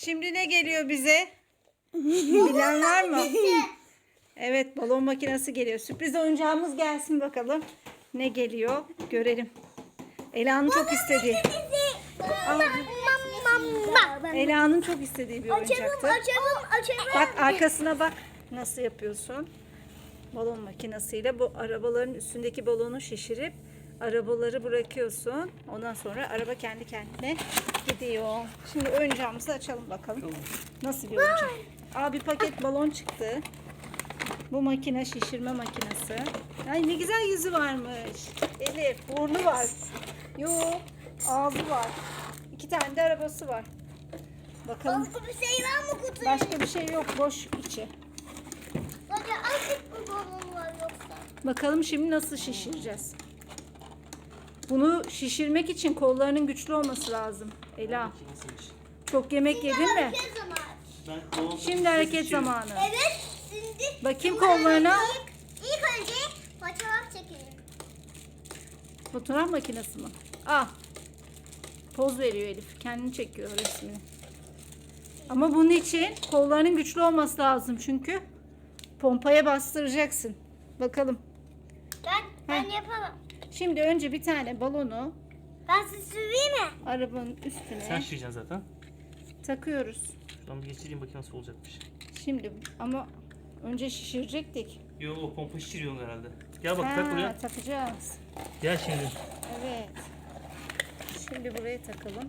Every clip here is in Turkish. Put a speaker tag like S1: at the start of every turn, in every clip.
S1: Şimdi ne geliyor bize? Bilen var mı? Evet, balon makinesi geliyor. Sürpriz oyuncağımız gelsin bakalım. Ne geliyor? Görelim. Ela'nın çok istediği. Ela'nın çok istediği bir oyuncaktı.
S2: Açalım.
S1: Bak arkasına bak. Nasıl yapıyorsun? Balon makinesiyle bu arabaların üstündeki balonu şişirip arabaları bırakıyorsun. Ondan sonra araba kendi kendine gidiyor. Şimdi oyuncağımızı açalım bakalım. Nasıl bir oyuncak? Bir paket balon çıktı. Bu makine şişirme makinesi. Ay ne güzel yüzü varmış. Elif, burnu var. Yok, ağzı var. 2 tane de arabası var. Bakalım.
S2: Başka bir şey var mı kutuda?
S1: Başka bir şey yok, boş içi.
S2: Sadece azıcık bir balon var yoksa.
S1: Bakalım şimdi nasıl şişireceğiz. Bunu şişirmek için kollarının güçlü olması lazım. Ela, çok yemek yedin mi?
S2: Hareket zamanı.
S1: Şimdi hareket zamanı.
S2: Evet. Şimdi
S1: Bakayım kollarına.
S2: İlk önce fotoğraf çekelim.
S1: Fotoğraf makinesi mi? Poz veriyor Elif. Kendini çekiyor resmini. Ama bunun için kollarının güçlü olması lazım çünkü pompaya bastıracaksın. Bakalım.
S2: Ben yapamam.
S1: Şimdi önce bir tane balonu
S2: Ben sizi süreyim mi?
S1: arabanın üstüne
S3: Sen şişireceksin zaten.
S1: takıyoruz.
S3: Şuradan bir geçireyim bakayım nasıl olacakmış.
S1: Şimdi ama önce şişirecektik.
S3: Yo o pompa şişiriyorsun herhalde. Gel bak tak buraya.
S1: Takacağız.
S3: Gel şimdi.
S1: Evet. Şimdi buraya takalım.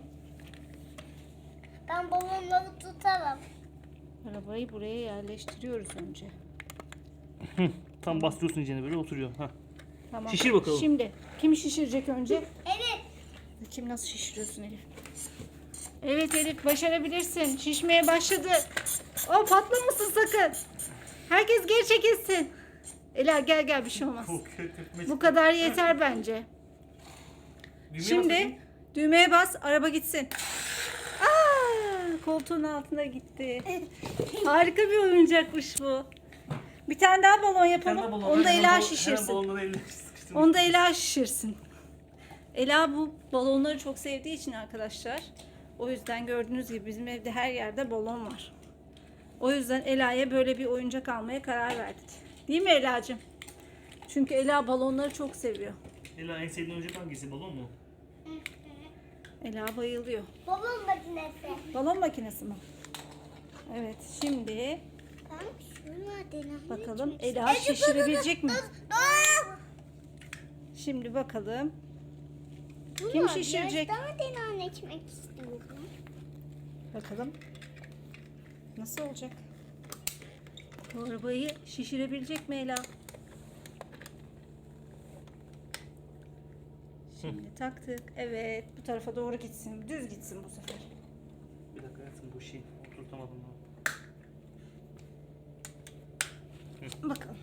S2: Ben balonları tutarım.
S1: Arabayı buraya yerleştiriyoruz önce.
S3: Tam bastırıyorsun içine böyle oturuyor. Hah.
S1: Tamam.
S3: Şişir bakalım.
S1: Şimdi kim şişirecek önce?
S2: Evet.
S1: Kim nasıl şişiriyorsun Elif? Evet Elif başarabilirsin. Şişmeye başladı. Patlamasın sakın. Herkes geri çekilsin. Ela gel bir şey olmaz. Bu kadar yeter bence. Şimdi düğmeye bas araba gitsin. Koltuğun altına gitti. Harika bir oyuncakmış bu. Bir tane daha balon yapalım. Onu da Ela şişirsin. Onu da Ela şişirsin. Ela bu balonları çok sevdiği için arkadaşlar. O yüzden gördüğünüz gibi bizim evde her yerde balon var. O yüzden Ela'ya böyle bir oyuncak almaya karar verdik. Değil mi Ela'cığım? Çünkü Ela balonları çok seviyor.
S3: Ela en sevdiğin oyuncak hangisi? Balon mu?
S1: Ela bayılıyor.
S2: Balon makinesi.
S1: Balon makinesi mi? Evet şimdi
S2: Ben şunu denemek
S1: bakalım Ela şişirebilecek mi?
S2: Dur.
S1: Şimdi bakalım. Kim şişirecek?
S2: Biraz daha denemek istiyorum.
S1: Bakalım. Nasıl olacak? Bu arabayı şişirebilecek mi Ela? Şimdi taktık. Evet. Bu tarafa doğru gitsin. Düz gitsin bu sefer.
S3: Bir dakika hayatım bu şey oturtamadım ben.
S1: Bakalım.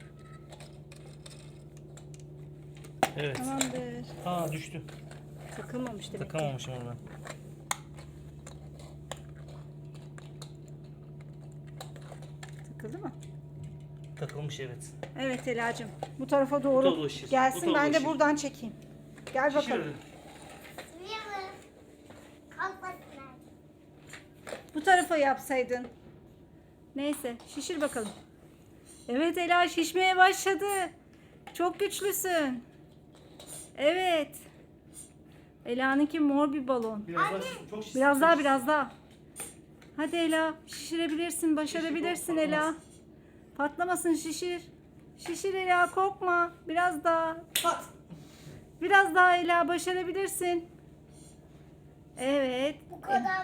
S3: Evet.
S1: Tamamdır.
S3: Düştü.
S1: Takılmamış demek ki.
S3: Takamamışım onu ben.
S1: Takıldı mı?
S3: Takılmış evet.
S1: Evet Ela'cığım. Bu tarafa doğru
S3: tarafa şişir. Bu
S1: gelsin.
S3: tarafa
S1: Ben de
S3: şişir.
S1: buradan çekeyim. Gel bakalım.
S3: Şişirelim.
S2: Sürüyorum. Kalkmasınlar.
S1: Bu tarafa yapsaydın. Neyse şişir bakalım. Evet Ela şişmeye başladı. Çok güçlüsün. Evet. Ela'nınki mor bir balon.
S3: Çok şişir.
S1: Biraz daha. Hadi Ela şişirebilirsin. Başarabilirsin
S3: Şişir,
S1: Ela. Patlamasın şişir. Şişir Ela korkma. Biraz daha.
S3: Pat.
S1: Biraz daha Ela başarabilirsin. Evet.
S2: Bu kadar.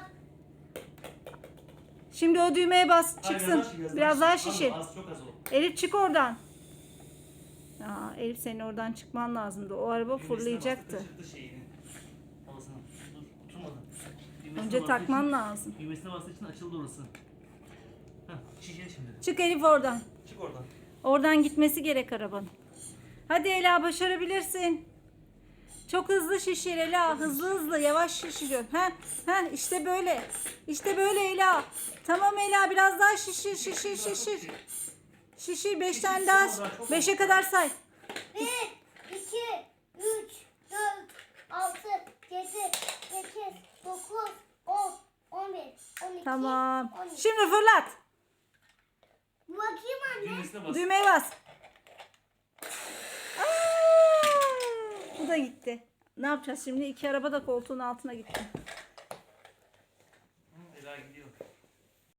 S1: Şimdi o düğmeye bas
S3: Hayır,
S1: çıksın. Biraz daha şişir.
S3: Az çok az o.
S1: Elif çık oradan. Elif senin oradan çıkman lazımdı. O araba fırlayacaktı.
S3: Çıktı şeyini. Havasına. Dur oturmadı.
S1: Önce takman lazım.
S3: Düğmesine bastığı için açıldı orası. Heh, şişir şimdi.
S1: Çık Elif oradan.
S3: Çık oradan.
S1: Oradan gitmesi gerek arabanın. Hadi Ela başarabilirsin. Çok hızlı şişir Ela. Hızlı yavaş şişiriyor. İşte böyle. İşte böyle Ela. Tamam Ela biraz daha şişir. Şişir 5 tane daha. 5'e kadar say.
S2: 1, 2, 3, 4, 6, 7, 8, 9, 10, 11, 12,
S1: Tamam.
S2: 12.
S1: Şimdi fırlat.
S2: Bakayım anne.
S3: Düğmesine bas.
S1: Düğmeye bas. Bu da gitti. Ne yapacağız şimdi? İki araba da koltuğun altına gitti.